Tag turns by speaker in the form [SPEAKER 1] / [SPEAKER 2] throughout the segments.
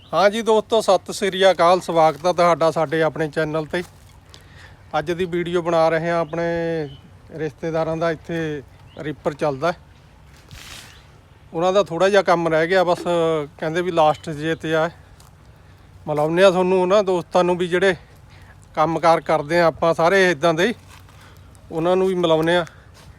[SPEAKER 1] हाँ जी दोस्तों, सत श्री अकाल। स्वागत है तुहाडा साडे अपने चैनल ते। अज दी वीडियो बना रहे हैं अपने रिश्तेदारां दा। इत्थे रीपर चलदा, उन्हां दा थोड़ा जिहा काम रह गया, बस कहंदे भी लास्ट जे ते आ। मिलाउने आ तुहानूं उन्हां दोस्तां नूं भी जिहड़े काम कार करदे आ आपां सारे इदां दे, उन्हां नूं भी मिलाउने आ।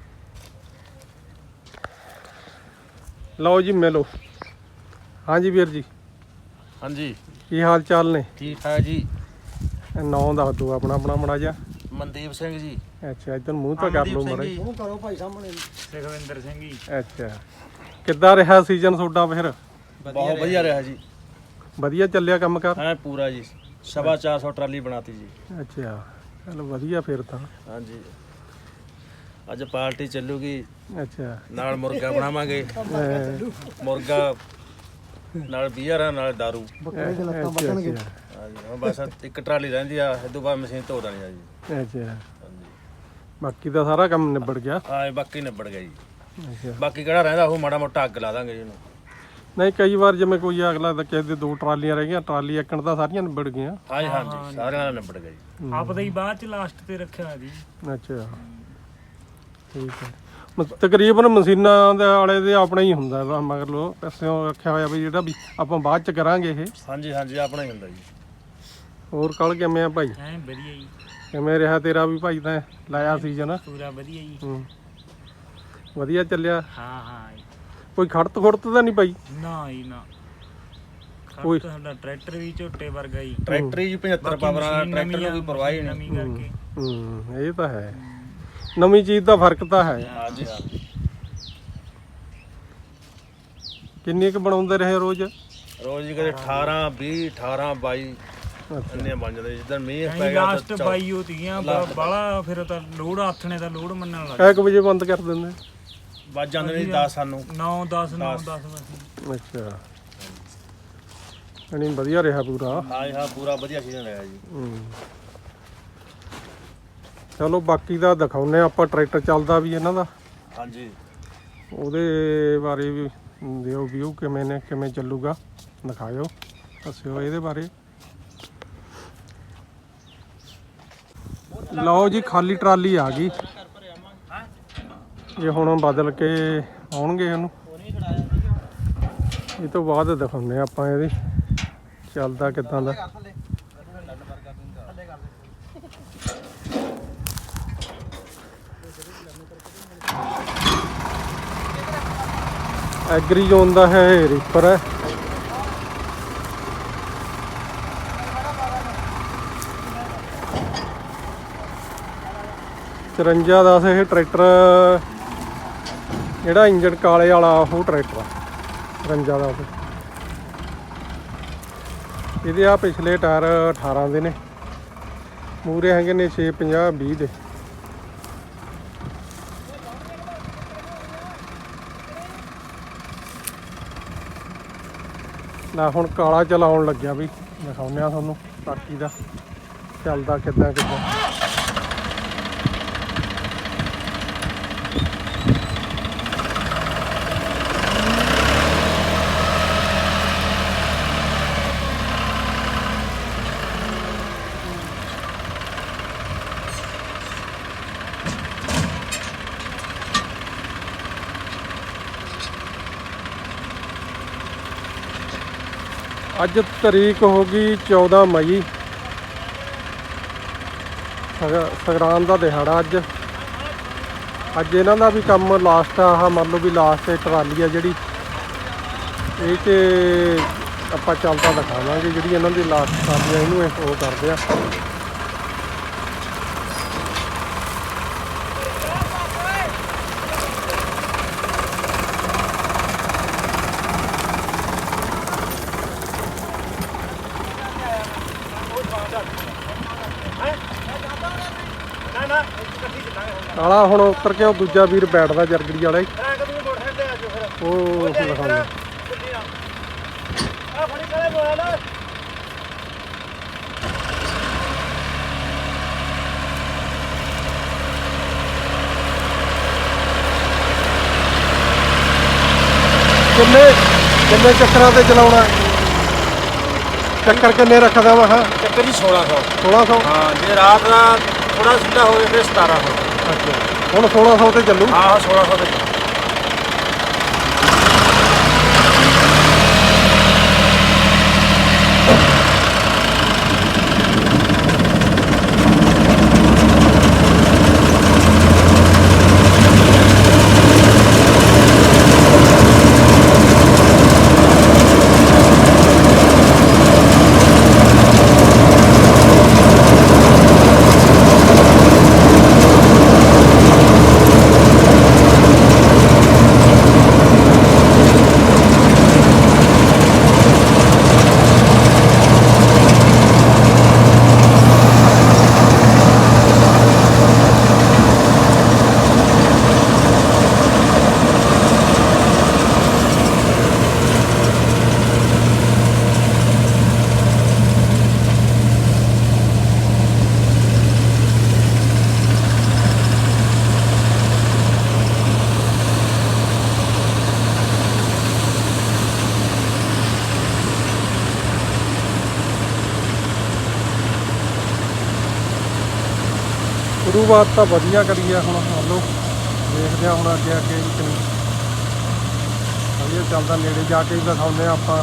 [SPEAKER 1] लो जी मिलो। हाँ जी वीर जी।
[SPEAKER 2] हाँ जी,
[SPEAKER 1] की हाल चाल ने?
[SPEAKER 2] ठीक ठाक जी।
[SPEAKER 1] नाम दस दो अपना अपना माड़ा जिहा।
[SPEAKER 2] मनदीप सिंह जी।
[SPEAKER 1] अच्छा, इधर मूँह तो कर लो माड़ा।
[SPEAKER 2] मूँह करो भाई सामने। सुखविंदर सिंह जी।
[SPEAKER 1] अच्छा, किद्दां रहा सीजन ਤੁਹਾਡਾ फिर?
[SPEAKER 2] बहुत बढ़िया रहा जी।
[SPEAKER 1] ਵਧੀਆ ਚੱਲਿਆ ਕੰਮ ਕਾਰ?
[SPEAKER 2] हाँ पूरा जी, 450 ट्राली बनाती जी।
[SPEAKER 1] अच्छा, चलो ਵਧੀਆ फिर ਤਾਂ।
[SPEAKER 2] हाँ जी, ਅੱਜ ਪਾਰਟੀ ਚੱਲੂਗੀ।
[SPEAKER 1] अच्छा,
[SPEAKER 2] ਨਾਲ ਮੁਰਗਾ ਬਣਾਵਾਂਗੇ। ਮੁਰਗਾ ਨਾਲ ਬੀਅਰ ਨਾਲ ਦਾਰੂ।
[SPEAKER 1] अच्छा,
[SPEAKER 2] ਹਾਂ ਜੀ, ਹੁਣ ਬਸ ਇੱਕ ਟਰਾਲੀ ਰਹਿੰਦੀ ਆ, ਇਸ ਤੋਂ ਬਾਅਦ ਮਸ਼ੀਨ ਧੋ ਦੇਣੀ ਆ ਜੀ।
[SPEAKER 1] अच्छा, ਬਾਕੀ ਦਾ ਸਾਰਾ ਕੰਮ ਨਿਬੜ ਗਿਆ?
[SPEAKER 2] ਹਾਂ, ਬਾਕੀ ਨਿਬੜ ਗਿਆ ਜੀ।
[SPEAKER 1] ਅੱਛਾ,
[SPEAKER 2] ਬਾਕੀ ਕਿਹੜਾ ਰਹਿੰਦਾ ਉਹ ਮਾੜਾ ਮੋਟਾ ਅੱਗ ਲਾ ਦਾਂਗੇ ਜੀ ਇਹਨੂੰ।
[SPEAKER 1] ਨਹੀਂ ਕਈ ਵਾਰ ਜਿਵੇਂ ਕੋਈ ਅਗਲਾ ਤਾਂ ਕਿਸੇ ਦੇ ਦੋ ਟਰਾਲੀਆਂ ਰਹਿ ਗਈਆਂ, ਟਰਾਲੀ ਇੱਕਣ ਤਾਂ ਸਾਰੀਆਂ ਨਿਬੜ ਗਈਆਂ।
[SPEAKER 2] ਹਾਂ ਜੀ, ਹਾਂ ਜੀ, ਸਾਰਿਆਂ ਦਾ ਨਿਬੜ ਗਿਆ ਜੀ।
[SPEAKER 3] ਆਪਦਾ ਹੀ ਬਾਅਦ ਚ ਲਾਸਟ ਤੇ ਰੱਖਿਆ ਜੀ।
[SPEAKER 1] ਅੱਛਾ, ਠੀਕ ਹੈ। ਤਕਰੀਬਨ ਮਸ਼ੀਨਾਂ ਦੇ ਆਲੇ ਦੇ ਆਪਣਾ ਹੀ ਹੁੰਦਾ ਵਾ, ਮਗਰ ਲੋ ਪੈਸਿਆਂ ਰੱਖਿਆ ਹੋਇਆ ਵੀ ਜਿਹੜਾ ਵੀ ਆਪਾਂ ਬਾਅਦ ਚ ਕਰਾਂਗੇ ਇਹ।
[SPEAKER 2] ਹਾਂ ਜੀ, ਹਾਂ ਜੀ, ਆਪਣਾ ਹੀ ਹੁੰਦਾ ਜੀ।
[SPEAKER 1] ਹੋਰ ਕੱਲ ਕਿਵੇਂ ਆ ਭਾਈ?
[SPEAKER 3] ਐ ਵਧੀਆ ਜੀ,
[SPEAKER 1] ਕਿਵੇਂ ਰਿਹਾ ਤੇਰਾ ਵੀ ਭਾਈ? ਤਾਂ ਲਾਇਆ ਸੀਜ਼ਨ?
[SPEAKER 3] ਪੂਰਾ ਵਧੀਆ ਜੀ।
[SPEAKER 1] ਵਧੀਆ ਚੱਲਿਆ?
[SPEAKER 3] ਹਾਂ ਹਾਂ ਜੀ।
[SPEAKER 1] ਕੋਈ ਖੜਤ ਤਾਂ ਨਹੀਂ ਭਾਈ?
[SPEAKER 3] ਨਾ ਜੀ ਨਾ,
[SPEAKER 1] ਕੋਈ
[SPEAKER 3] ਸਾਡਾ ਟਰੈਕਟਰ ਵੀ ਝੋਟੇ ਵਰਗਾ ਜੀ।
[SPEAKER 2] ਟਰੈਕਟਰ ਜੀ 75 ਪਾਵਰਾਂ ਦਾ ਟਰੈਕਟਰ ਨੂੰ ਕੋਈ ਪਰਵਾਹ ਹੀ ਨਹੀਂ।
[SPEAKER 3] ਨਵੀਂ ਕਰਕੇ
[SPEAKER 1] ਇਹ ਤਾਂ ਹੈ, ਨਵੀਂ ਚੀਜ਼ ਦਾ ਫਰਕ ਤਾਂ ਹੈ।
[SPEAKER 2] ਹਾਂ ਜੀ, ਹਾਂ।
[SPEAKER 1] ਕਿੰਨੀ ਕੁ ਬਣਾਉਂਦੇ ਰਹੇ ਰੋਜ਼?
[SPEAKER 2] ਰੋਜ਼ ਹੀ ਕਦੇ 18 20 18 22 ਇੰਨੇ ਬਣ ਜਾਂਦੇ। ਜਿੱਦਾਂ ਮੀਂਹ ਪੈ ਗਿਆ
[SPEAKER 3] ਲਾਸਟ 22 ਹੋਤੀਆਂ ਬਾਲਾ, ਫਿਰ ਤਾਂ ਲੋਡ ਆਥਣੇ ਦਾ ਲੋਡ ਮੰਨਣ ਲੱਗ
[SPEAKER 1] ਕਿੰਨੇ ਕੁ ਵਜੇ ਬੰਦ ਕਰ ਦਿੰਦੇ?
[SPEAKER 2] ਵੱਜ ਜਾਂਦੇ ਨੇ 10 ਸਾਨੂੰ।
[SPEAKER 3] 9 10 9 10 ਵਜੇ।
[SPEAKER 1] ਅੱਛਾ, ਨਹੀਂ ਵਧੀਆ ਰਿਹਾ ਪੂਰਾ?
[SPEAKER 2] ਹਾਂ ਜੀ, ਹਾਂ, ਪੂਰਾ ਵਧੀਆ ਸੀਜ਼ਨ ਰਿਹਾ ਜੀ।
[SPEAKER 1] ਚਲੋ ਬਾਕੀ ਦਾ ਦਿਖਾਉਂਦੇ ਆਪਾਂ, ਟਰੈਕਟਰ ਚੱਲਦਾ ਵੀ ਇਹਨਾਂ ਦਾ।
[SPEAKER 2] ਹਾਂਜੀ,
[SPEAKER 1] ਉਹਦੇ ਬਾਰੇ ਵੀ ਦਿਓ ਵਿਊ, ਕਿਵੇਂ ਨੇ ਕਿਵੇਂ ਚੱਲੂਗਾ ਦਿਖਾਇਓ, ਦੱਸਿਓ ਇਹਦੇ ਬਾਰੇ। ਲਓ ਜੀ, ਖਾਲੀ ਟਰਾਲੀ ਆ ਗਈ। ਇਹ ਹੁਣ ਬਦਲ ਕੇ ਆਉਣਗੇ ਇਹਨੂੰ, ਇਹ ਤੋਂ ਬਾਅਦ ਦਿਖਾਉਂਦੇ ਆਪਾਂ ਇਹਦੇ ਚੱਲਦਾ ਕਿੱਦਾਂ ਦਾ। ਐਗਰੀ ਜ਼ੋਨ ਦਾ ਹੈ, ਰੀਪਰ ਹੈ। ਚੁਰੰਜਾ 10 ਇਹ ਟਰੈਕਟਰ, ਜਿਹੜਾ ਇੰਜਣ ਕਾਲੇ ਵਾਲਾ ਉਹ ਟਰੈਕਟਰ ਆ 53 ਦਾ। ਇਹਦੇ ਆ ਪਿਛਲੇ ਟਾਇਰ 18 ਦੇ ਨੇ, ਮੂਹਰੇ ਹੈਗੇ ਨੇ 6 50 20 ਦੇ। ਨਾ ਹੁਣ ਕਾਲਾ ਚਲਾਉਣ ਲੱਗਿਆ ਵੀ, ਦਿਖਾਉਂਦੇ ਆ ਤੁਹਾਨੂੰ ਬਾਕੀ ਦਾ ਚੱਲਦਾ ਕਿੱਦਾਂ ਕਿੱਦਾਂ। ਅੱਜ ਤਰੀਕ ਹੋ ਗਈ 14 ਮਈ, ਸੰਗਰਾਂਦ ਦਾ ਦਿਹਾੜਾ ਅੱਜ। ਅੱਜ ਇਹਨਾਂ ਦਾ ਵੀ ਕੰਮ ਲਾਸਟ ਆ, ਆਹ ਮੰਨ ਲਓ ਵੀ ਲਾਸਟ ਟਰਾਲੀ ਆ ਜਿਹੜੀ, ਇਹ 'ਚ ਆਪਾਂ ਚੱਲਦਾ ਦਿਖਾਵਾਂਗੇ। ਜਿਹੜੀ ਇਹਨਾਂ ਦੀ ਲਾਸਟ ਟਰਾਲੀ ਆ ਇਹਨੂੰ ਉਹ ਕਰਦੇ ਆ। ਕਾਲਾ ਹੁਣ ਉੱਤਰ ਕੇ ਉਹ ਦੂਜਾ ਵੀਰ ਬੈਠਦਾ ਜਰਗੜੀ ਵਾਲਾ ਹੀ, ਉਹ ਦਿਖਾਉਂਦਾ। ਕਿੰਨੇ ਚੱਕਰਾਂ ਤੇ ਚਲਾਉਣਾ? ਚੱਕਰ ਕਿੰਨੇ ਰੱਖਦਾ ਵਾ? ਹਾਂ
[SPEAKER 2] ਚੱਕਰ ਜੀ 1600।
[SPEAKER 1] 1600।
[SPEAKER 2] ਹਾਂ ਜੇ ਰਾਤ ਦਾ ਥੋੜਾ ਸਿੱਧਾ ਹੋਵੇ ਫਿਰ 1700।
[SPEAKER 1] ਅੱਛਾ ਹੁਣ 1600 ਤੇ ਚੱਲੂ।
[SPEAKER 2] ਹਾਂ 1600 ਤੇ
[SPEAKER 1] ਸ਼ੁਰੂਆਤ ਤਾਂ ਵਧੀਆ ਕਰੀ ਆ। ਹੁਣ ਮੰਨ ਲਓ ਦੇਖਦੇ ਆ ਹੁਣ ਅੱਗੇ ਅੱਗੇ ਵੀ ਕਿੰਨੀ ਵਧੀਆ ਚੱਲਦਾ। ਨੇੜੇ ਜਾ ਕੇ ਵੀ ਦਿਖਾਉਂਦੇ ਆ ਆਪਾਂ।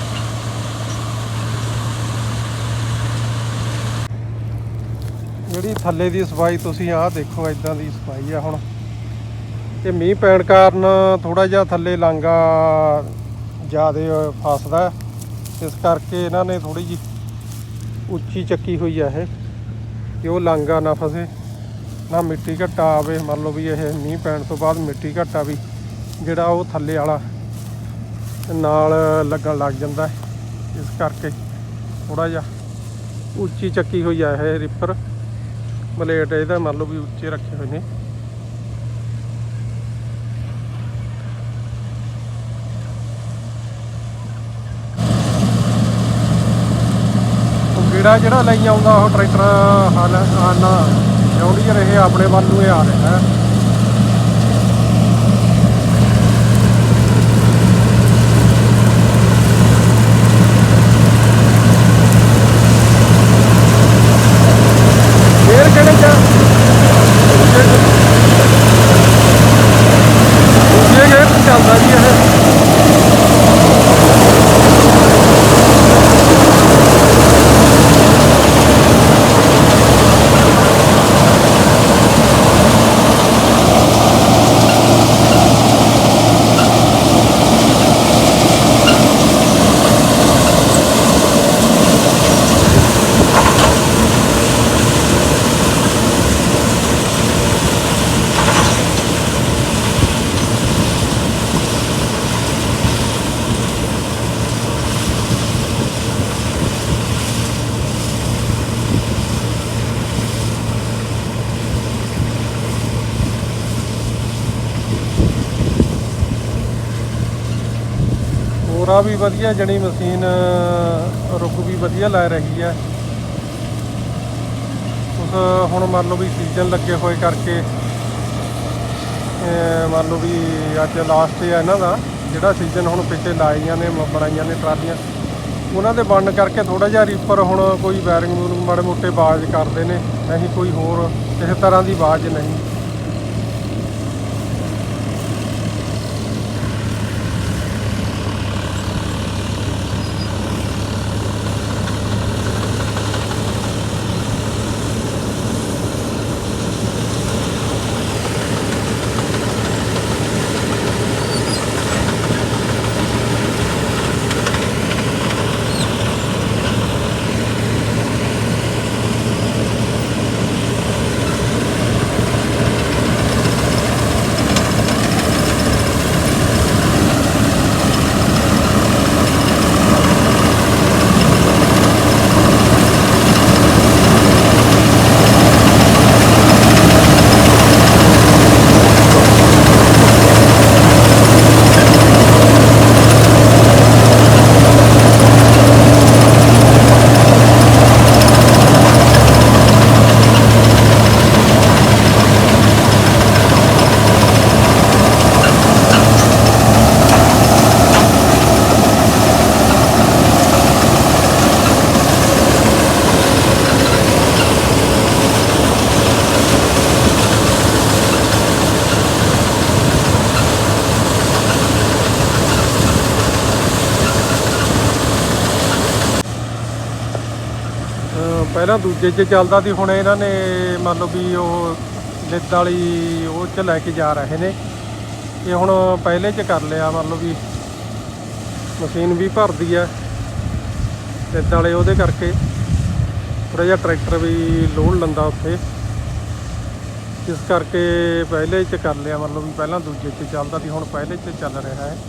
[SPEAKER 1] ਜਿਹੜੀ ਥੱਲੇ ਦੀ ਸਫਾਈ ਤੁਸੀਂ ਆਹ ਦੇਖੋ, ਇਦਾਂ ਦੀ ਸਫਾਈ ਆ। ਹੁਣ ਇਹ ਮੀਂਹ ਪੈਣ ਕਾਰਨ ਥੋੜਾ ਜਿਹਾ ਥੱਲੇ ਲਾਂਗਾ ਜ਼ਿਆਦਾ ਫਸਦਾ, ਇਸ ਕਰਕੇ ਇਹਨਾਂ ਨੇ ਥੋੜੀ ਜਿਹੀ ਉੱਚੀ ਚੱਕੀ ਹੋਈ ਆ ਇਹ, ਕਿ ਉਹ ਲਾਂਗਾ ਨਾ ਫਸੇ, ਨਾ ਮਿੱਟੀ ਘੱਟਾ ਆਵੇ। ਮੰਨ ਲਓ ਵੀ ਇਹ ਮੀਂਹ ਪੈਣ ਤੋਂ ਬਾਅਦ ਮਿੱਟੀ ਘੱਟਾ ਵੀ ਜਿਹੜਾ ਉਹ ਥੱਲੇ ਵਾਲਾ ਨਾਲ ਲੱਗਣ ਲੱਗ ਜਾਂਦਾ ਹੈ। ਇਸ ਕਰਕੇ ਥੋੜਾ ਜਿਹਾ ਉੱਚੀ ਚੱਕੀ ਹੋਈ ਆ ਇਹ ਰਿਪਰ ਬਲੇਡ। ਇਹਦਾ ਮੰਨ ਲਓ ਵੀ ਉੱਚੇ ਰੱਖੇ ਹੋਏ ਨੇ। ਜਿਹੜਾ ਲਈ ਆਉਂਦਾ ਉਹ ਟਰੈਕਟਰ ਹਾਨਾ ਜੌਂਡੀਅਰ ਇਹ ਆਪਣੇ ਵੱਲ ਨੂੰ ਇਹ ਆ ਰਿਹਾ ਹੈ। ਫੇਰ ਕਿਹੜੇ ਚ ਦੂਜੇ ਗੇਅਰ ਤੇ ਚੱਲਦਾ ਜੀ ਇਹ। ਤੋਰਾ ਵੀ ਵਧੀਆ, ਜਣੀ ਮਸ਼ੀਨ ਰੁਕ ਵੀ ਵਧੀਆ ਲੈ ਰਹੀ ਹੈ। ਉਸ ਹੁਣ ਮੰਨ ਲਓ ਵੀ ਸੀਜ਼ਨ ਲੱਗੇ ਹੋਏ ਕਰਕੇ ਮੰਨ ਲਓ ਵੀ ਅੱਜ ਲਾਸਟ ਹੈ ਇਹਨਾਂ ਦਾ, ਜਿਹੜਾ ਸੀਜ਼ਨ ਹੁਣ ਪਿੱਛੇ ਲਾਈਆਂ ਨੇ ਬਣਾਈਆਂ ਨੇ ਟਰਾਲੀਆਂ, ਉਹਨਾਂ ਦੇ ਬਣਨ ਕਰਕੇ ਥੋੜਾ ਜਿਹਾ ਰੀਪਰ ਹੁਣ ਕੋਈ ਵਾਇਰਿੰਗ ਵੂਰਿੰਗ ਮਾੜੇ ਮੋਟੇ ਆਵਾਜ਼ ਕਰਦੇ ਨੇ, ਨਹੀਂ ਕੋਈ ਹੋਰ ਕਿਸੇ ਤਰ੍ਹਾਂ ਦੀ ਆਵਾਜ਼ ਨਹੀਂ। ਪਹਿਲਾਂ ਦੂਜੇ 'ਚ ਚੱਲਦਾ ਸੀ, ਹੁਣ ਇਹਨਾਂ ਨੇ ਮੰਨ ਲਓ ਵੀ ਉਹ ਲਿੱਦ ਵਾਲੀ ਉਹ 'ਚ ਲੈ ਕੇ ਜਾ ਰਹੇ ਨੇ। ਇਹ ਹੁਣ ਪਹਿਲੇ 'ਚ ਕਰ ਲਿਆ, ਮੰਨ ਲਓ ਵੀ ਮਸ਼ੀਨ ਵੀ ਭਰਦੀ ਆ ਲਿੱਦ ਵਾਲੇ, ਉਹਦੇ ਕਰਕੇ ਥੋੜ੍ਹਾ ਜਿਹਾ ਟਰੈਕਟਰ ਵੀ ਲੋਡ ਲੈਂਦਾ ਉੱਥੇ, ਇਸ ਕਰਕੇ ਪਹਿਲੇ 'ਚ ਕਰ ਲਿਆ। ਮੰਨ ਲਓ ਵੀ ਪਹਿਲਾਂ ਦੂਜੇ 'ਚ ਚੱਲਦਾ ਸੀ, ਹੁਣ ਪਹਿਲੇ 'ਚ ਚੱਲ ਰਿਹਾ ਹੈ।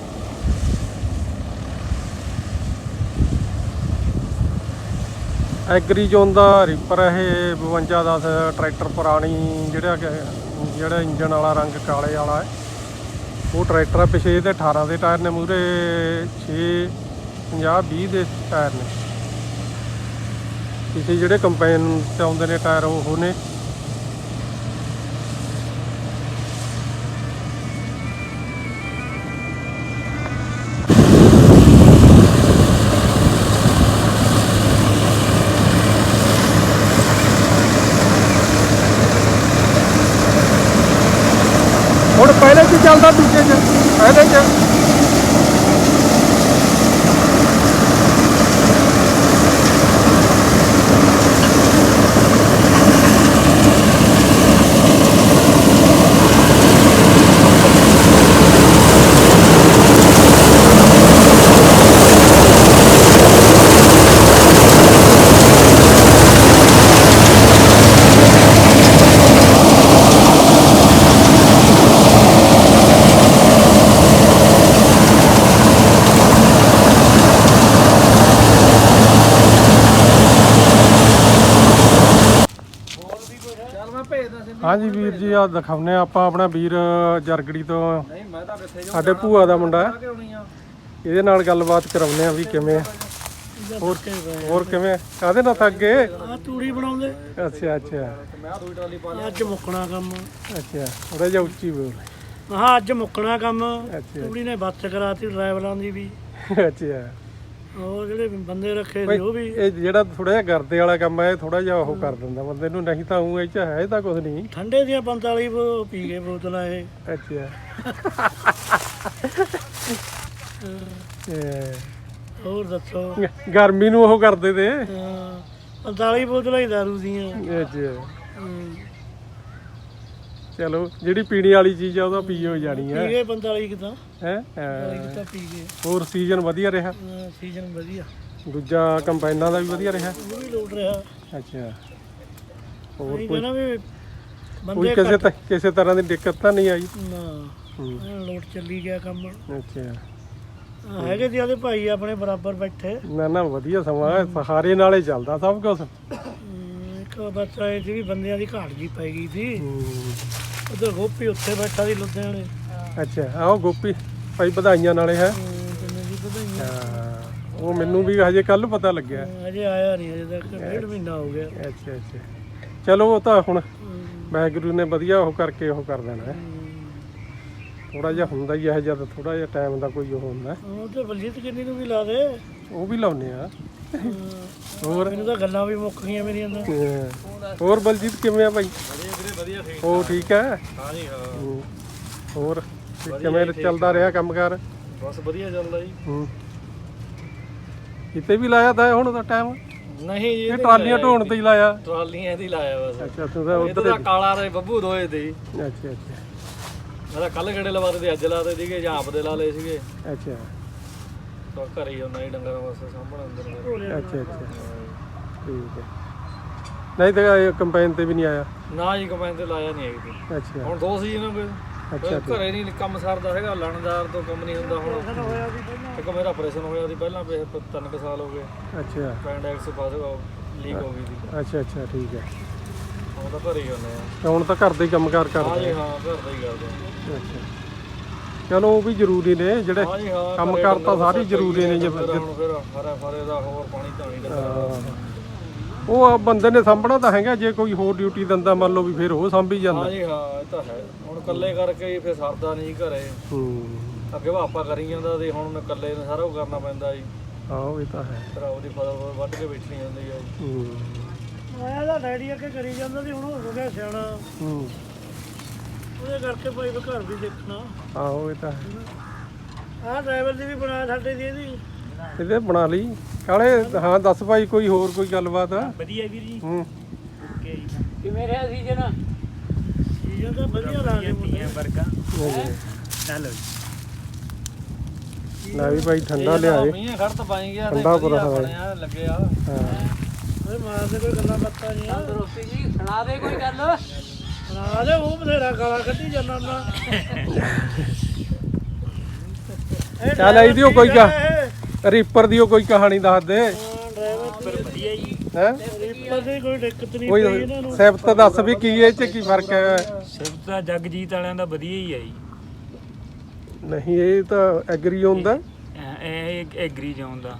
[SPEAKER 1] ਐਗਰੀ ਜ਼ੋਨ ਦਾ ਰੀਪਰ ਇਹ 5210 ਟਰੈਕਟਰ ਪੁਰਾਣੀ, ਜਿਹੜਾ ਇੰਜਨ ਵਾਲਾ ਰੰਗ ਕਾਲੇ ਵਾਲਾ ਹੈ ਉਹ ਟਰੈਕਟਰ ਆ। ਪਿਛੇ ਇਹਦੇ 18 ਦੇ ਟਾਇਰ ਨੇ, ਮੂਹਰੇ 6 50 20 ਦੇ ਟਾਇਰ ਨੇ। ਪਿਛੇ ਜਿਹੜੇ ਕੰਪੈਨ 'ਚ ਆਉਂਦੇ ਨੇ ਟਾਇਰ ਉਹ ਨੇ। ਹੁਣ ਪਹਿਲੇ 'ਚ ਚੱਲਦਾ, ਦੂਜੇ 'ਚ ਪਹਿਲੇ 'ਚ ਹਾਂਜੀ ਵੀਰ ਜੀ, ਆ ਦਿਖਾਉਂਦੇ ਆ ਆਪਾਂ ਆਪਣਾ ਵੀਰ ਜਰਗੜੀ ਤੋਂ, ਸਾਡੇ ਭੂਆ ਦਾ ਮੁੰਡਾ ਹੈ। ਇਹਦੇ ਨਾਲ ਗੱਲਬਾਤ ਕਰਾਉਂਦੇ ਆ ਵੀ ਕਿਵੇਂ ਹੋਰ ਕਿਵੇਂ ਕਾਹਦੇ ਨਾਲ ਥੱਕ ਗਏ?
[SPEAKER 4] ਤੂੜੀ ਬਣਾਉਂਦੇ।
[SPEAKER 1] ਅੱਛਾ ਅੱਛਾ,
[SPEAKER 4] ਅੱਜ ਮੁੱਕਣਾ ਕੰਮ।
[SPEAKER 1] ਅੱਛਾ ਥੋੜਾ ਜਿਹਾ ਉੱਚੀ ਬੋਲ।
[SPEAKER 4] ਹਾਂ ਅੱਜ ਮੁੱਕਣਾ ਕੰਮ।
[SPEAKER 1] ਅੱਛਾ
[SPEAKER 4] ਤੂੜੀ ਨੇ ਬੱਸ ਕਰਾਤੀ ਡਰਾਈਵਰਾਂ ਦੀ ਵੀ।
[SPEAKER 1] ਅੱਛਾ,
[SPEAKER 4] ਹੋਰ ਜਿਹੜੇ ਬੰਦੇ ਰੱਖੇ ਸੀ ਉਹ ਵੀ।
[SPEAKER 1] ਇਹ ਜਿਹੜਾ ਥੋੜਾ ਜਿਹਾ ਗਰਦੇ ਵਾਲਾ ਕੰਮ ਹੈ, ਥੋੜਾ ਜਿਹਾ ਉਹ ਕਰ ਦਿੰਦਾ ਬੰਦੇ ਨੂੰ, ਨਹੀਂ ਤਾਂ ਉਹ ਇਹ 'ਚ ਹੈ ਤਾਂ ਕੁਝ ਨਹੀਂ।
[SPEAKER 4] ਠੰਡੇ ਦੀਆਂ 45 ਪੀ ਗਏ ਬੋਤਲਾਂ ਇਹ।
[SPEAKER 1] ਅੱਛਾ
[SPEAKER 4] ਹੋਰ ਦੱਸੋ।
[SPEAKER 1] ਗਰਮੀ ਨੂੰ ਉਹ ਕਰਦੇ ਤੇ।
[SPEAKER 4] 45 ਬੋਤਲਾਂ ਹੀ ਦਾਰੂ ਦੀਆਂ।
[SPEAKER 1] ਅੱਛਾ ਚਲੋ, ਜਿਹੜੀ ਪੀਣੀ ਵਾਲੀ ਚੀਜ਼ ਆ ਉਹਦਾ ਪੀ ਹੋ ਜਾਣੀ ਹੈ।
[SPEAKER 4] ਪੀ ਗਏ 45 ਕਿਤਾ
[SPEAKER 1] ਹੈ
[SPEAKER 4] ਤਾਂ ਪੀ ਗਏ।
[SPEAKER 1] ਹੋਰ ਸੀਜ਼ਨ ਵਧੀਆ ਰਿਹਾ?
[SPEAKER 4] ਸੀਜ਼ਨ ਵਧੀਆ।
[SPEAKER 1] ਦੂਜਾ ਕੰਬਾਈਨਾਂ ਦਾ ਵੀ ਵਧੀਆ ਰਿਹਾ?
[SPEAKER 4] ਉਹ ਵੀ ਲੋਟ ਰਿਹਾ।
[SPEAKER 1] ਅੱਛਾ, ਹੋਰ
[SPEAKER 4] ਕੋਈ
[SPEAKER 1] ਕੋਈ
[SPEAKER 4] ਕਹਿੰਦਾ ਵੀ
[SPEAKER 1] ਕੋਈ
[SPEAKER 4] ਬੰਦੇ
[SPEAKER 1] ਕਿਸੇ ਤਰ੍ਹਾਂ ਦੀ ਦਿੱਕਤ ਤਾਂ ਨਹੀਂ ਆਈ?
[SPEAKER 4] ਨਾ ਲੋਟ ਚੱਲੀ ਗਿਆ ਕੰਮ।
[SPEAKER 1] ਅੱਛਾ,
[SPEAKER 4] ਹੈਗੇ ਜੀ ਆਦੇ ਭਾਈ ਆਪਣੇ ਬਰਾਬਰ ਬੈਠੇ।
[SPEAKER 1] ਨਾ ਨਾ ਵਧੀਆ ਸਮਾਂ, ਸਹਾਰੇ ਨਾਲੇ ਚੱਲਦਾ ਸਭ ਕੁਝ।
[SPEAKER 4] ਇੱਕ ਬਸ ਇਹ ਸੀ ਵੀ ਬੰਦਿਆਂ ਦੀ ਘਾਟ ਜੀ ਪੈ ਗਈ ਸੀ। ਉਧਰ ਗੋਪੀ ਉੱਥੇ ਬੈਠਾ ਸੀ ਲੁਧਿਆਣੇ।
[SPEAKER 1] ਅੱਛਾ, ਆਓ ਗੋਪੀ ਭਾਈ ਵਧਾਈਆਂ ਨਾਲੇ ਹੈ। ਉਹ ਮੈਨੂੰ ਵੀ ਹਜੇ ਕੱਲ ਪਤਾ ਲੱਗਿਆ,
[SPEAKER 4] ਅਜੇ ਆਇਆ ਨਹੀਂ, ਅਜੇ ਤੱਕ 1.5 ਮਹੀਨਾ ਹੋ ਗਿਆ।
[SPEAKER 1] ਅੱਛਾ ਅੱਛਾ, ਚਲੋ ਉਹ ਤਾਂ ਹੁਣ ਵਾਹਿਗੁਰੂ ਨੇ ਵਧੀਆ ਉਹ ਕਰਕੇ ਉਹ ਕਰ ਦੇਣਾ ਹੈ। ਥੋੜਾ ਜਿਹਾ ਹੁੰਦਾ ਹੀ ਹੈ, ਜਦ ਥੋੜਾ ਜਿਹਾ ਟਾਈਮ ਦਾ ਕੋਈ ਉਹ ਹੁੰਦਾ।
[SPEAKER 4] ਉਹ ਤੇ ਬਲਜੀਤ ਕਿੰਨੀ ਨੂੰ ਵੀ ਲਾ ਦੇ,
[SPEAKER 1] ਉਹ ਵੀ ਲਾਉਨੇ ਆ। ਹੋਰ
[SPEAKER 4] ਮੈਨੂੰ ਤਾਂ ਗੱਲਾਂ ਵੀ ਮੁੱਕ ਗਈਆਂ ਮੇਰੀਆਂ ਤਾਂ।
[SPEAKER 1] ਹੋਰ ਬਲਜੀਤ ਕਿਵੇਂ ਆ ਭਾਈ?
[SPEAKER 2] ਵਧੀਆ
[SPEAKER 1] ਉਹ ਠੀਕ ਹੈ?
[SPEAKER 2] ਹਾਂਜੀ ਹਾਂ,
[SPEAKER 1] ਹੋਰ ਕਿਵੇਂ ਚੱਲਦਾ ਰਿਹਾ ਕੰਮਕਾਰ?
[SPEAKER 2] ਬਸ ਵਧੀਆ ਚੱਲਦਾ ਜੀ।
[SPEAKER 1] ਕਿਤੇ ਵੀ ਲਾਇਆ ਤਾਂ ਹੁਣ ਦਾ ਟਾਈਮ?
[SPEAKER 2] ਨਹੀਂ ਜੀ,
[SPEAKER 1] ਇਹ ਟਰਾਲੀਆਂ ਢੋਣ ਤੇ ਹੀ ਲਾਇਆ?
[SPEAKER 2] ਟਰਾਲੀਆਂ ਇਹਦੀ ਲਾਇਆ ਬਸ।
[SPEAKER 1] ਅੱਛਾ, ਤੂੰ ਤਾਂ
[SPEAKER 2] ਉਧਰ ਦਾ ਕਾਲਾ ਤੇ ਬੱਬੂ ਦੋਏ ਤੇ।
[SPEAKER 1] ਅੱਛਾ ਅੱਛਾ,
[SPEAKER 2] ਮੈਂ ਤਾਂ ਕੱਲ ਗੇੜੇ ਲਵਾਦੇ ਤੇ ਅੱਜ ਲਾਦੇ ਸੀਗੇ, ਜਾਂ ਆਪ ਦੇ ਲਾ ਲਏ ਸੀਗੇ।
[SPEAKER 1] ਅੱਛਾ
[SPEAKER 2] ਤਾਂ ਘਰੇ ਹੀ ਹੁੰਦਾ ਹੀ ਡੰਗਰਾਂ ਵਾਸਤੇ ਸਾਂਭਣ ਅੰਦਰ।
[SPEAKER 1] ਅੱਛਾ ਅੱਛਾ, ਠੀਕ ਹੈ। ਨਹੀਂ ਤਾਂ ਇਹ ਕੰਪਾਈਨ ਤੇ ਵੀ ਨਹੀਂ ਆਇਆ?
[SPEAKER 2] ਨਾ ਜੀ, ਕੰਬਾਈਨ ਤੇ ਲਾਇਆ ਨਹੀਂ ਹੈਗੀ।
[SPEAKER 1] ਅੱਛਾ
[SPEAKER 2] ਹੁਣ 2 ਸੀਜ਼ਨ ਹੋ ਗਏ।
[SPEAKER 1] ਅੱਛਾ,
[SPEAKER 2] ਘਰੇ ਨਹੀਂ ਕੰਮ ਸਰਦਾ ਹੈਗਾ, ਲਾਣੇਦਾਰ ਤੋਂ ਕੰਮ ਨਹੀਂ ਹੁੰਦਾ। ਹੁਣ ਇੱਕ ਮੇਰਾ ਆਪਰੇਸ਼ਨ ਹੋਇਆ ਸੀ ਪਹਿਲਾਂ, 3 ਸਾਲ ਹੋ ਗਏ।
[SPEAKER 1] ਅੱਛਾ,
[SPEAKER 2] ਪੈਂਡੈਕਸ ਫਸ ਲੀਕ ਹੋ ਗਈ ਸੀ।
[SPEAKER 1] ਅੱਛਾ ਅੱਛਾ, ਠੀਕ ਹੈ।
[SPEAKER 2] ਹੁਣ ਤਾਂ ਘਰੇ ਹੀ ਹੁੰਦੇ ਆ।
[SPEAKER 1] ਤਾਂ ਹੁਣ ਤਾਂ ਘਰ ਦੇ ਹੀ ਕੰਮਕਾਰ
[SPEAKER 2] ਹਾਂ
[SPEAKER 1] ਕਰਦੇ?
[SPEAKER 2] ਜੀ ਹਾਂ, ਘਰ ਦਾ ਹੀ ਕਰਦੇ ਆ।
[SPEAKER 1] ਅੱਛਾ, ਚਲੋ ਉਹ ਵੀ ਜ਼ਰੂਰੀ ਨੇ, ਜਿਹੜੇ
[SPEAKER 2] ਹਾਂ ਜੀ ਹਾਂ,
[SPEAKER 1] ਕੰਮਕਾਰ ਤਾਂ ਸਾਰੇ ਜ਼ਰੂਰੀ ਨੇ।
[SPEAKER 2] ਹੁਣ ਫਿਰ ਹਰੇ ਦਾ ਹੋਰ ਪਾਣੀ ਧਾਣੀ ਦਾ
[SPEAKER 1] ਉਹ ਬੰਦੇ ਨੇ ਸਾਂਭਣਾ ਤਾਂ ਹੈਗਾ, ਜੇ ਕੋਈ ਹੋਰ ਡਿਊਟੀ ਦਿੰਦਾ ਮੰਨ ਲਓ ਵੀ ਫਿਰ ਉਹ ਸਾਂਭੀ ਜਾਂਦਾ।
[SPEAKER 2] ਹਾਂ ਜੀ ਹਾਂ, ਇਹ ਤਾਂ ਹੈ। ਹੁਣ ਇਕੱਲੇ ਕਰਕੇ ਹੀ ਫਿਰ ਸਰਦਾ ਨਹੀਂ ਘਰੇ। ਅੱਗੇ ਵਾਪਾ ਕਰੀ ਜਾਂਦਾ ਤੇ ਹੁਣ ਇਕੱਲੇ ਨੂੰ ਸਾਰਾ ਉਹ ਕਰਨਾ ਪੈਂਦਾ ਜੀ।
[SPEAKER 1] ਆਹੋ ਇਹ ਤਾਂ ਹੈ।
[SPEAKER 2] ਫਿਰ ਉਹਦੀ ਫਸਲ ਵੱਢ ਕੇ ਵੇਚਣੀ ਹੁੰਦੀ ਹੈ ਜੀ।
[SPEAKER 4] ਆਇਆ ਦਾ ਡੈਡੀ ਅੱਗੇ ਕਰੀ ਜਾਂਦਾ ਸੀ, ਹੁਣ ਹੋ ਗਿਆ ਸਿਆਣਾ। ਉਹਦੇ ਕਰਕੇ ਭਾਈ ਘਰ ਵੀ ਦੇਖਣਾ।
[SPEAKER 1] ਆਹੋ ਇਹ ਤਾਂ ਹੈ।
[SPEAKER 4] ਆਹ ਡਰਾਈਵਰ ਦੀ ਵੀ ਬਣਾ ਸਾਡੇ ਦੀ ਇਹਦੀ।
[SPEAKER 1] ਇਹਦੇ ਬਣਾ ਲਈ ਕਾਲੇ। ਹਾਂ ਦੱਸ ਭਾਈ ਕੋਈ ਹੋਰ ਕੋਈ ਗੱਲਬਾਤ ਆ?
[SPEAKER 3] ਵਧੀਆ ਵੀਰ ਜੀ। ਓਕੇ ਜੀ।
[SPEAKER 4] ਕਿਵੇਂ ਰਿਹਾ ਸੀਜ਼ਨ ਤਾਂ ਵਧੀਆ ਲਾ ਕੇ
[SPEAKER 3] ਤੀਆਂ ਵਰਗਾ ਨਾ ਲਓ ਜੀ।
[SPEAKER 1] ਲੈ ਵੀ ਭਾਈ ਠੰਡਾ ਲਿਆਏ।
[SPEAKER 2] ਮੀਂਹ ਖੜਤ ਪਾਈ ਗਿਆ
[SPEAKER 1] ਠੰਡਾ ਪੂਰਾ ਹੋਇਆ।
[SPEAKER 2] ਬਣਿਆ ਲੱਗੇ ਆ।
[SPEAKER 1] ਹਾਂ
[SPEAKER 4] ਓਏ ਮਾਰਦੇ ਕੋਈ ਗੱਲਾਂ ਬਾਤਾਂ ਨਹੀਂ ਆ।
[SPEAKER 5] ਦੋਸਤੀ ਜੀ ਸੁਣਾ ਦੇ ਕੋਈ ਗੱਲ।
[SPEAKER 4] ਸੁਣਾ ਦੇ ਉਹ ਬਥੇਰਾ ਗਾਲਾਂ ਕੱਢੀ ਜਾਂਦਾ ਨਾ।
[SPEAKER 1] ਚੱਲ ਇਹਦੀ ਓ ਕੋਈ ਰੀਪਰ ਦੀ ਓ ਕੋਈ ਕਹਾਣੀ ਦੱਸ ਦੇ।
[SPEAKER 4] ਡਰਾਈਵਰ
[SPEAKER 3] ਵਧੀਆ ਜੀ।
[SPEAKER 1] ਹੈ
[SPEAKER 4] ਰੀਪਰ ਦੀ ਕੋਈ ਦਿੱਕਤ ਨਹੀਂ
[SPEAKER 1] ਕੋਈ
[SPEAKER 4] ਪਈ ਇਹਨਾਂ ਨੂੰ।
[SPEAKER 1] ਸਿਫਤ ਦੱਸ ਵੀ ਕੀ ਇਹ ਚ ਕੀ ਫਰਕ ਹੈ?
[SPEAKER 3] ਸਿਫਤ ਤਾਂ ਜਗਜੀਤ ਵਾਲਿਆਂ ਦਾ ਵਧੀਆ ਹੀ ਆ ਜੀ।
[SPEAKER 1] ਨਹੀਂ ਇਹ ਤਾਂ ਐਗਰੀ ਹੁੰਦਾ।
[SPEAKER 3] ਇਹ ਐਗਰੀ ਜ਼ੋਨ ਦਾ।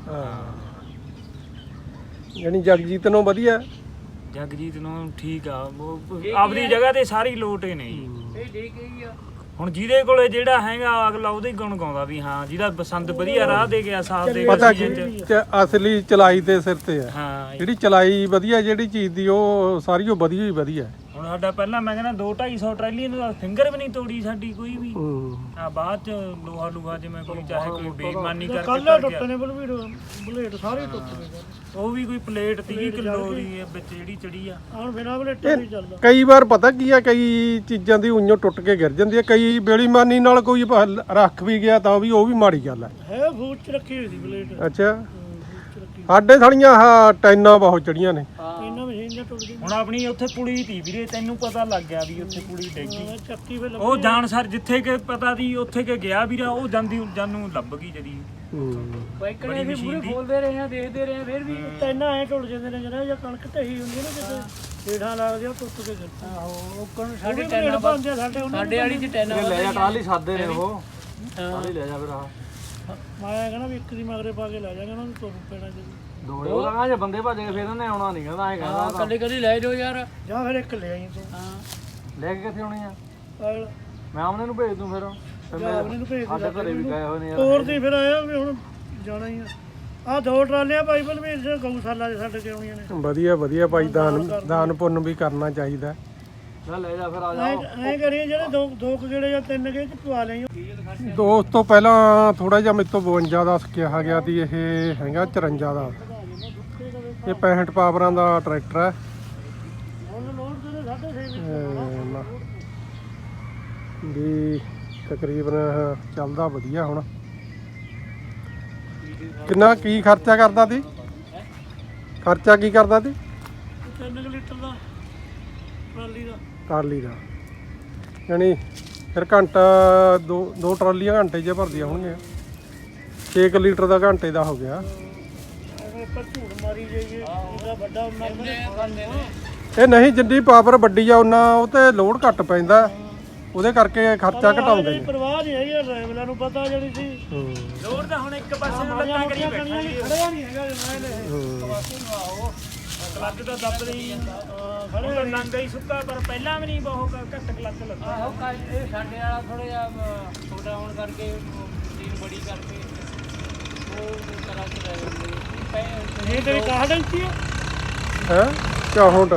[SPEAKER 1] ਯਾਨੀ ਜਗਜੀਤ ਨੂੰ ਵਧੀਆ।
[SPEAKER 3] ਜਗਜੀਤ ਨੂੰ ਠੀਕ ਆ, ਉਹ ਆਪਦੀ ਜਗ੍ਹਾ ਤੇ ਸਾਰੀ ਲੋਟ ਹੀ ਨੇ ਜੀ।
[SPEAKER 5] ਇਹ ਠੀਕ ਹੀ ਆ।
[SPEAKER 3] ਹੁਣ ਜਿਹਦੇ ਕੋਲੇ ਜਿਹੜਾ ਹੈਗਾ ਅਗਲਾ ਉਹਦੇ ਹੀ ਗੁਣ ਗਾਉਂਦਾ ਵੀ ਹਾਂ ਜਿਹਦਾ ਬਸੰਤ ਵਧੀਆ ਰਾਹ ਦੇ ਗਿਆ, ਸਾਥ ਦੇ
[SPEAKER 1] ਪਤਾ
[SPEAKER 3] ਗਿਆ
[SPEAKER 1] ਕੀ ਅਸਲੀ ਚਲਾਈ ਦੇ ਸਿਰ ਤੇ ਆ।
[SPEAKER 3] ਹਾਂ ਜੀ।
[SPEAKER 1] ਜਿਹੜੀ ਚਲਾਈ ਵਧੀਆ ਜਿਹੜੀ ਚੀਜ਼ ਦੀ ਉਹ ਸਾਰੀ ਉਹ ਵਧੀਆ ਹੀ ਵਧੀਆ।
[SPEAKER 3] ਹੁਣ ਸਾਡਾ ਪਹਿਲਾਂ ਮੈਂ ਕਹਿੰਦਾ 2-250 ਟਰਾਲੀ ਨੂੰ ਫਿੰਗਰ ਵੀ ਨਹੀਂ ਤੋੜੀ ਸਾਡੀ ਕੋਈ ਵੀ। ਆ ਬਾਅਦ ਚ ਲੋਹਾ ਲੂਹਾ ਜਿਵੇਂ ਕੋਈ ਚਾਹੇ ਕੋਈ ਬੇਈਮਾਨੀ ਕਰਕੇ
[SPEAKER 4] ਕੱਲ
[SPEAKER 3] ਕਰ ਗਿਆ।
[SPEAKER 4] ਟੁੱਟਣੇ ਬਲੇਡ ਸਾਰੇ ਟੁੱਟ ਗਏ।
[SPEAKER 3] ਉਹ ਵੀ ਕੋਈ ਪਲੇਟ 30 ਕਿਲੋ ਦੀ ਵਿੱਚ ਜਿਹੜੀ ਚੜੀ ਆ।
[SPEAKER 4] ਹੁਣ ਬਿਨਾਂ ਬਲੇਟਾਂ ਨਹੀਂ ਚੱਲਦਾ।
[SPEAKER 1] ਕਈ ਵਾਰ ਪਤਾ ਕੀ ਆ, ਕਈ ਚੀਜ਼ਾਂ ਦੀ ਉਈਓ ਟੁੱਟ ਕੇ ਗਿਰ ਜਾਂਦੀ ਆ। ਕਈ ਬੇਈਮਾਨੀ ਨਾਲ ਕੋਈ ਰੱਖ ਵੀ ਗਿਆ ਤਾਂ ਵੀ ਉਹ ਵੀ ਮਾੜੀ ਗੱਲ ਆ।
[SPEAKER 4] ਹੈ ਫੂਟ ਚ ਰੱਖੀ ਹੋਈ ਸੀ ਬਲੇਡ।
[SPEAKER 1] ਅੱਛਾ ਸਾਡੇ ਥਾਲੀਆਂ ਆਹ ਟੈਨਾਂ ਬਹੁਤ ਚੜੀਆਂ ਨੇ।
[SPEAKER 4] ਇਹਨਾਂ ਮਸ਼ੀਨ ਨਾਲ ਟੁੱਟ ਗਈ।
[SPEAKER 3] ਹੁਣ ਆਪਣੀ ਉੱਥੇ ਪੁਲੀ ਤੀ ਵੀਰੇ, ਤੈਨੂੰ ਪਤਾ ਲੱਗ ਗਿਆ ਵੀ ਉੱਥੇ ਪੁਲੀ ਡੇਗੀ।
[SPEAKER 4] ਚੱਕੀ ਫੇ
[SPEAKER 3] ਉਹ ਜਾਣ ਸਰ ਜਿੱਥੇ ਕਿ ਪਤਾ ਦੀ ਉੱਥੇ ਕਿ ਗਿਆ ਵੀਰਾ, ਉਹ ਜਾਂਦੀ ਜਾਨੂੰ ਲੱਭ ਗਈ ਜਦੀ।
[SPEAKER 5] ਬਾਈਕਰਾਂ ਵੀ ਪੂਰੇ ਬੋਲਦੇ ਰਹੇ ਆ, ਦੇਖਦੇ ਰਹੇ ਆ, ਫਿਰ ਵੀ
[SPEAKER 4] ਟੈਨਾਂ ਐ ਟੁੱਟ ਜਾਂਦੇ ਨੇ ਜਿਹੜਾ ਜਾਂ ਕਣਕ ਢਹੀ ਹੁੰਦੀ ਨਾ ਕਿਤੇ ਢੇੜਾਂ ਲੱਗਦੀਆਂ ਉਹ ਟੁੱਟ ਕੇ ਗਿਰਦੀ।
[SPEAKER 5] ਆਹੋ ਉਹ ਸਾਡੇ
[SPEAKER 4] ਸਾਡੇ
[SPEAKER 5] ਟੈਨਾਂ
[SPEAKER 4] ਪਾਉਂਦੇ ਸਾਡੇ ਉਹਨਾਂ
[SPEAKER 5] ਸਾਡੇ ਵਾਲੀ ਚ ਟੈਨਾਂ
[SPEAKER 2] ਲੈ ਜਾ ਟਰਾਲੀ ਸਾਦੇ ਨੇ ਉਹ। ਟਰਾਲੀ ਲੈ ਜਾ ਫਿਰ ਆ
[SPEAKER 4] ਮੈਂ ਕਹਿੰਦਾ ਵੀ ਇੱਕ ਦੀ ਮਗਰੇ ਪਾ ਕੇ ਲੈ ਜਾਗਾ ਉਹਨਾਂ ਨੂੰ ਤੁਰ ਪੈਣਾ ਜੀ।
[SPEAKER 2] ਦੋੜੇ ਉਹ ਜੇ ਬੰਦੇ ਭੱਜ ਗਏ ਫਿਰ ਉਹਨੇ ਆਉਣਾ ਨਹੀਂ ਕਹਿੰਦਾ ਐ ਕਹਿੰਦਾ
[SPEAKER 5] ਕੱਲੇ ਕੱਲੇ ਲੈ ਜਾਓ ਯਾਰ।
[SPEAKER 4] ਜਾਂ ਫਿਰ ਇੱਕ ਲੈ ਆਈ ਤੂੰ।
[SPEAKER 5] ਹਾਂ
[SPEAKER 2] ਲੈ ਕੇ ਕਿੱਥੇ ਆਉਣੀ ਆ?
[SPEAKER 4] ਪਾਗਲ
[SPEAKER 2] ਮੈਂ ਆਮਨੇ ਨੂੰ ਭੇਜ ਦੂੰ ਫਿਰ।
[SPEAKER 4] ਜਾਂ ਉਹਨੇ ਨੂੰ ਭੇਜ ਦੇ।
[SPEAKER 2] ਸਾਡੇ ਘਰੇ ਵੀ ਗਏ ਹੋਏ ਨੇ ਯਾਰ।
[SPEAKER 4] ਤੋਰ ਦੀ ਫਿਰ ਆਇਆ ਵੀ ਹੁਣ ਜਾਣਾ ਹੀ ਆ। ਆਹ 2 ਟਰਾਲੀਆਂ ਬਾਈਬਲ ਵੀ ਗਊਸ਼ਾਲਾ ਦੇ ਛੱਡ ਕੇ ਆਉਣੀਆਂ ਨੇ।
[SPEAKER 1] ਵਧੀਆ ਵਧੀਆ ਭਾਈ ਦਾਨ ਪੁੰਨ ਵੀ ਕਰਨਾ ਚਾਹੀਦਾ।
[SPEAKER 2] ਲੈ ਜਾ ਫਿਰ ਆ ਜਾ।
[SPEAKER 4] ਐਂ ਕਰੀਏ ਜਿਹੜੇ ਦੋ ਕੁ ਗੇੜੇ ਜਾਂ 3 ਗੇੜੇ ਚ ਪਵਾ ਲਈ।
[SPEAKER 1] ਦੋਸਤ ਤੋਂ ਪਹਿਲਾਂ ਥੋੜਾ ਜਿਹਾ ਮੇਰੇ ਤੋਂ 52 ਦਾ ਕਿਹਾ ਗਿਆ ਸੀ। ਇਹ ਹੈਗਾ 54 ਦਾ। ਇਹ 65 ਪਾਵਰਾਂ ਦਾ ਟਰੈਕਟਰ ਹੈ।
[SPEAKER 4] ਹੁਣ ਲੋਡ ਤੇ 6.5
[SPEAKER 1] ਵੀ ਤਕਰੀਬਨ ਚੱਲਦਾ ਵਧੀਆ। ਹੁਣ ਕਿੰਨਾ ਕੀ ਖਰਚਾ ਕਰਦਾ ਸੀ? ਖਰਚਾ ਕੀ ਕਰਦਾ ਸੀ?
[SPEAKER 4] 3 ਲੀਟਰ ਦਾ ਟਰਾਲੀ ਦਾ।
[SPEAKER 1] ਟਰਾਲੀ ਦਾ ਯਾਨੀ ਫਿਰ ਘੰਟਾ ਦੋ ਟਰਾਲੀਆਂ ਘੰਟੇ 'ਚ ਭਰਦੀਆਂ ਹੋਣਗੀਆਂ। 6 ਲੀਟਰ ਦਾ ਘੰਟੇ ਦਾ ਹੋ ਗਿਆ।
[SPEAKER 4] ਪਰ ਝੂੜ ਮਾਰੀ ਜਾਈਏ ਇਹਦਾ ਵੱਡਾ ਉਹਨਾਂ ਨੇ।
[SPEAKER 1] ਇਹ ਨਹੀਂ ਜਿੰਨੀ ਪਾਵਰ ਵੱਡੀ ਆ ਉਹਨਾਂ ਉਹ ਤੇ ਲੋਡ ਘੱਟ ਪੈਂਦਾ, ਉਹਦੇ ਕਰਕੇ ਖਰਚਾ ਘਟਾਉਂਦੇ ਨੇ।
[SPEAKER 4] ਪਰਵਾਹ ਨਹੀਂ ਹੈਗੀ ਡਰਾਈਵਰਾਂ ਨੂੰ ਪਤਾ ਜਿਹੜੀ ਸੀ।
[SPEAKER 3] ਲੋੜ ਤਾਂ ਹੁਣ ਇੱਕ ਪਾਸੇ ਨੂੰ ਲੱਤਾਂ ਕਰੀ ਬੈਠਾ ਜੀ।
[SPEAKER 4] ਖੜਿਆ ਨਹੀਂ ਹੈਗਾ ਜਮਾਇਲੇ
[SPEAKER 3] ਕਲੱਚ ਤਾਂ ਦੱਬਦੇ ਹੀ ਖੜੇ ਨੰਗਾ ਹੀ ਸੁੱਕਾ, ਪਰ ਪਹਿਲਾਂ ਵੀ ਨਹੀਂ ਬਹੁਤ ਘੱਟ ਕਲੱਚ ਲੱਗਾ।
[SPEAKER 5] ਆਹੋ ਇਹ ਸਾਡੇ ਵਾਲਾ ਥੋੜਾ ਜਿਹਾ ਛੋਟਾ ਹੋਣ ਕਰਕੇ ਮਸ਼ੀਨ ਬੜੀ ਕਰਕੇ ਉਹ ਤਰ੍ਹਾਂ ਚ ਰਹਿ ਜਾਂਦੇ ਨੇ।
[SPEAKER 4] ਇਹ ਤੇਰੀ ਕਾਹ ਡੰਕੀ ਹੈ
[SPEAKER 1] ਹੈ 64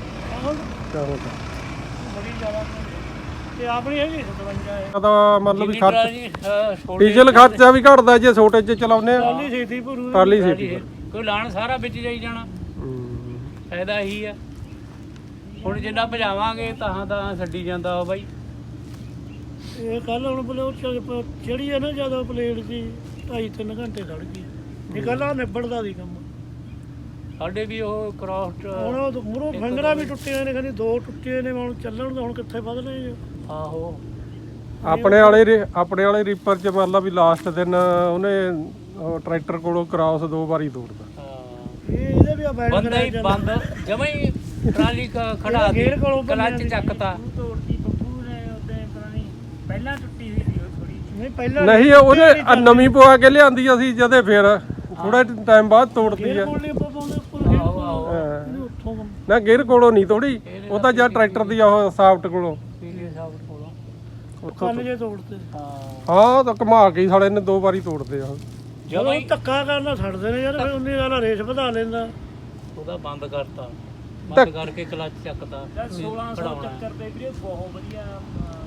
[SPEAKER 4] ਬੜੀ ਜ਼ਿਆਦਾ ਤੇ ਆਪਣੀ ਹੈਗੀ 57 ਹੈ।
[SPEAKER 1] ਦਾ ਮਤਲਬ ਵੀ ਖਰਚ
[SPEAKER 5] ਛੋਟੀ
[SPEAKER 1] ਡੀਜ਼ਲ ਖਰਚਾ ਵੀ ਘਟਦਾ ਜੇ ਛੋਟੇ 'ਚ ਚਲਾਉਂਦੇ ਆ।
[SPEAKER 4] ਟਰਾਲੀ ਛੇਤੀ ਭਰੂ।
[SPEAKER 1] ਟਰਾਲੀ ਸੀਟੀ
[SPEAKER 5] ਕੋਈ ਲਾਣ ਸਾਰਾ ਵਿੱਚ ਜਾਈ ਜਾਣਾ, ਫਾਇਦਾ ਇਹੀ ਆ। ਹੁਣ ਜਿੰਨਾ ਭਜਾਵਾਂਗੇ ਤਾਂ ਛੱਡੀ ਜਾਂਦਾ ਉਹ ਬਾਈ।
[SPEAKER 4] ਇਹ ਕੱਲ ਹੁਣ ਬਲੇ ਜਿਹੜੀ ਹੈ ਨਾ ਜਦੋਂ ਪਲੇਟ ਸੀ 2.5-3 ਘੰਟੇ ਖੜ ਗਈ। ਇਹ ਕੱਲ ਆ ਨਿਬੜਦਾ ਦੀ ਕੰਮ।
[SPEAKER 5] ਸਾਡੇ ਵੀ ਉਹ ਕ੍ਰਾਸ
[SPEAKER 4] ਹੁਣ ਉਹ ਮੂਹਰੋਂ ਫਿੰਗਰਾਂ ਵੀ ਟੁੱਟੀਆਂ ਨੇ, ਕਹਿੰਦੀ 2 ਟੁੱਟੇ ਨੇ। ਹੁਣ ਚੱਲਣ ਦਾ ਹੁਣ ਕਿੱਥੇ ਵਧਣੇ।
[SPEAKER 5] ਆਹੋ
[SPEAKER 1] ਆਪਣੇ ਵਾਲੇ ਰੀਪਰ 'ਚ ਮਤਲਬ ਵੀ ਲਾਸਟ ਦਿਨ ਉਹਨੇ ਟਰੈਕਟਰ ਕੋਲੋਂ ਕ੍ਰਾਸ 2 ਵਾਰੀ ਤੋੜਦਾ।
[SPEAKER 4] ਇਹਦੇ ਵੀ ਆ ਬੈਠ
[SPEAKER 5] ਬੰਦਾ ਹੀ ਬੰਦ ਜਮਾਂ ਹੀ ਟਰਾਲੀ ਖੜਾ ਕੇ
[SPEAKER 4] ਗੇਅਰ ਕੋਲੋਂ
[SPEAKER 5] ਕਲੱਚ ਚੱਕਤਾ।
[SPEAKER 3] ਤੋੜਤੀ ਬੱਬੂ ਨੇ ਉਹਦੇ ਪੁਰਾਣੀ ਪਹਿਲਾਂ ਟੁੱਟੀ ਹੋਈ ਸੀ ਉਹ ਥੋੜੀ।
[SPEAKER 4] ਨਹੀਂ ਪਹਿਲਾਂ
[SPEAKER 1] ਨਹੀਂ ਉਹਨੇ ਨਵੀਂ ਪਵਾ ਕੇ ਲਿਆਂਦੀ ਅਸੀਂ ਜਦੇ ਫਿਰ ਥੋੜਾ ਟਾਈਮ ਬਾਅਦ ਤੋੜਦੀ ਆ।
[SPEAKER 4] ਕੋਲ ਨਹੀਂ ਪਾਉਂਦੇ ਉੱਥੋਂ
[SPEAKER 1] ਨਾ ਗੇਅਰ ਕੋਲੋਂ ਨਹੀਂ ਤੋੜੀ, ਉਹ ਤਾਂ ਜਾਂ ਟਰੈਕਟਰ ਦੀ ਉਹ ਸਾਫਟ ਕੋਲੋਂ
[SPEAKER 5] ਪੀਲੇ ਸਾਹਿਬ ਕੋਲੋਂ
[SPEAKER 1] ਉੱਥੋਂ
[SPEAKER 4] ਕੰਨ ਜੇ ਤੋੜਤੇ।
[SPEAKER 1] ਹਾਂ ਤਾਂ ਘੁਮਾ ਕੇ ਸਾਲੇ ਨੇ 2 ਵਾਰੀ ਤੋੜਦੇ ਆ।
[SPEAKER 4] ਜਦੋਂ ਧੱਕਾ ਕਰਨਾ ਛੱਡਦੇ ਨੇ ਯਾਰ, ਫਿਰ ਉਨੀ ਵਾਲਾ ਰੇਸ ਵਧਾ ਲੈਂਦਾ।
[SPEAKER 5] ਉਹਦਾ ਬੰਦ ਕਰਤਾ, ਬੰਦ ਕਰਕੇ ਕਲੱਚ ਚੱਕਤਾ।
[SPEAKER 3] 1600 ਚੱਕਰ ਦੇ ਵੀਰੇ ਬਹੁਤ ਵਧੀਆ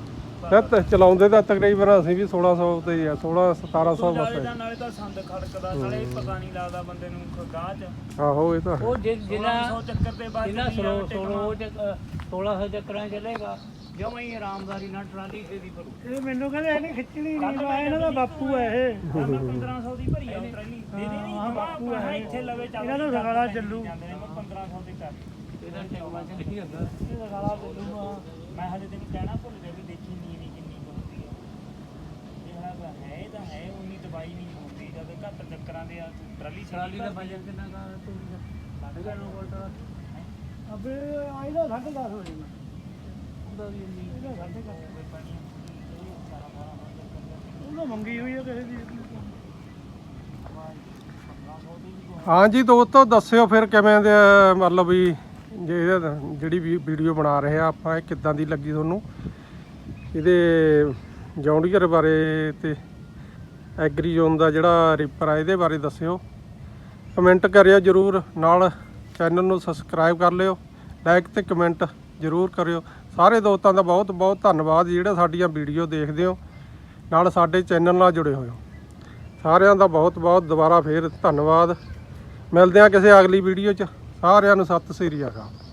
[SPEAKER 1] ਤੇ ਚਲਾਉਂਦੇ ਤਾਂ ਤਕਰੀਬਨ ਅਸੀਂ ਵੀ 1600 ਤੇ ਹੀ ਆ 1700 ਬਸ
[SPEAKER 3] ਨਾਲੇ ਤਾਂ ਨਾਲੇ ਤਾਂ ਸੰਦ ਖੜਕਦਾ ਨਾਲੇ ਪਤਾ ਨਹੀਂ ਲੱਗਦਾ ਬੰਦੇ ਨੂੰ ਗਾਹ ਚ
[SPEAKER 1] ਆਹੋ ਇਹ ਤਾਂ
[SPEAKER 5] ਉਹ ਜਿੰਨਾ
[SPEAKER 3] 100 ਚੱਕਰ ਤੇ ਬਾਅਦ
[SPEAKER 5] ਜਿੰਨਾ 1600 ਚੱਕਰਾਂ ਚੱਲੇਗਾ ਜਮਾਂ ਹੀ ਆਰਾਮਦਾਰੀ ਨਾਲ ਟਰਾਲੀ ਦੀ ਭਰੂ।
[SPEAKER 4] ਇਹ ਮੈਨੂੰ ਕਹਿੰਦੇ ਇਹਨੇ ਖਿੱਚਣੀ ਨਹੀਂ ਆ ਇਹਨਾਂ ਦਾ ਬਾਪੂ ਹੈ ਇਹ
[SPEAKER 3] 1500 ਦੀ ਭਰੀ ਆ ਉਹ ਟਰਾਲੀ ਦੇ ਦੇ ਨਹੀਂ ਬਾਪੂ ਹੈ ਇੱਥੇ ਲਵੇ ਚੱਲ
[SPEAKER 4] ਇਹਨਾਂ ਦਾ ਰਗੜਾ ਚੱਲੂ
[SPEAKER 3] ਜਾਂਦੇ ਨੇ 1500 ਦੀ ਕਰ
[SPEAKER 5] ਇਹਦਾ ਟੈਕਵਾ ਚ ਨਹੀਂ ਹੁੰਦਾ।
[SPEAKER 4] ਇਹ ਰਗੜਾ ਚੱਲੂਗਾ
[SPEAKER 3] ਮੈਂ ਹਜੇ ਤੈਨੂੰ ਕਹਿਣਾ ਭੁੱਲ ਗਿਆ ਵੀ ਦੇਖੀ ਨੀਰੀ ਕਿੰਨੀ ਬਣਦੀ ਹੈ ਇਹ ਤਾਂ ਹੈ ਉਨੀ ਦਵਾਈ ਨਹੀਂ ਹੁੰਦੀ ਜਦ ਘੱਟ ਚੱਕਰਾਂ ਦੇ ਆ ਟਰਾਲੀ
[SPEAKER 5] ਟਰਾਲੀ ਦਾ ਵਜਨ ਕਿੰਨਾ ਕਾ ਤੂੰ 9.5 ਵੋਲਟ ਦਾ
[SPEAKER 4] ਅਬੇ ਆਇਦਾ 10:30 ਹੋ ਜਾਣਾ
[SPEAKER 5] ਉਹਦਾ ਵੀ ਇੰਨੀ
[SPEAKER 4] ਇਹਦਾ 10:30 ਉਹ ਮੰਗੀ ਹੋਈ ਹੈ ਕਿਸੇ ਦੀ
[SPEAKER 1] ਹਾਂਜੀ ਦੋਸਤੋ ਦੱਸਿਓ ਫਿਰ ਕਿਵੇਂ ਦੇ ਮਤਲਬ ਵੀ ਜੇ ਜਿਹੜੀ ਵੀ ਵੀਡੀਓ ਬਣਾ ਰਹੇ ਆ ਆਪਾਂ ਇਹ ਕਿੱਦਾਂ ਦੀ ਲੱਗੀ ਤੁਹਾਨੂੰ ਇਹਦੇ ਜੌਂਡੀਅਰ ਬਾਰੇ ਤੇ ਐਗਰੀ ਜ਼ੋਨ ਦਾ ਜਿਹੜਾ ਰੀਪਰ ਆ ਇਹਦੇ ਬਾਰੇ ਦੱਸਿਓ ਕਮੈਂਟ ਕਰਿਓ ਜਰੂਰ ਨਾਲ ਚੈਨਲ ਨੂੰ ਸਬਸਕ੍ਰਾਈਬ ਕਰ ਲਿਓ ਲਾਈਕ ਤੇ ਕਮੈਂਟ ਜਰੂਰ ਕਰਿਓ ਸਾਰੇ ਦੋਸਤਾਂ ਦਾ ਬਹੁਤ ਬਹੁਤ ਧੰਨਵਾਦ ਜਿਹੜੇ ਸਾਡੀਆਂ ਵੀਡੀਓ ਦੇਖਦੇ ਹੋ ਨਾਲ ਸਾਡੇ ਚੈਨਲ ਨਾਲ ਜੁੜੇ ਹੋਏ ਹੋ ਸਾਰਿਆਂ ਦਾ ਬਹੁਤ ਬਹੁਤ ਦੁਬਾਰਾ ਫੇਰ ਧੰਨਵਾਦ ਮਿਲਦੇ ਹਾਂ ਕਿਸੇ ਅਗਲੀ ਵੀਡੀਓ 'ਚ ਸਾਰਿਆਂ ਨੂੰ ਸਤਿ ਸ੍ਰੀ ਅਕਾਲ।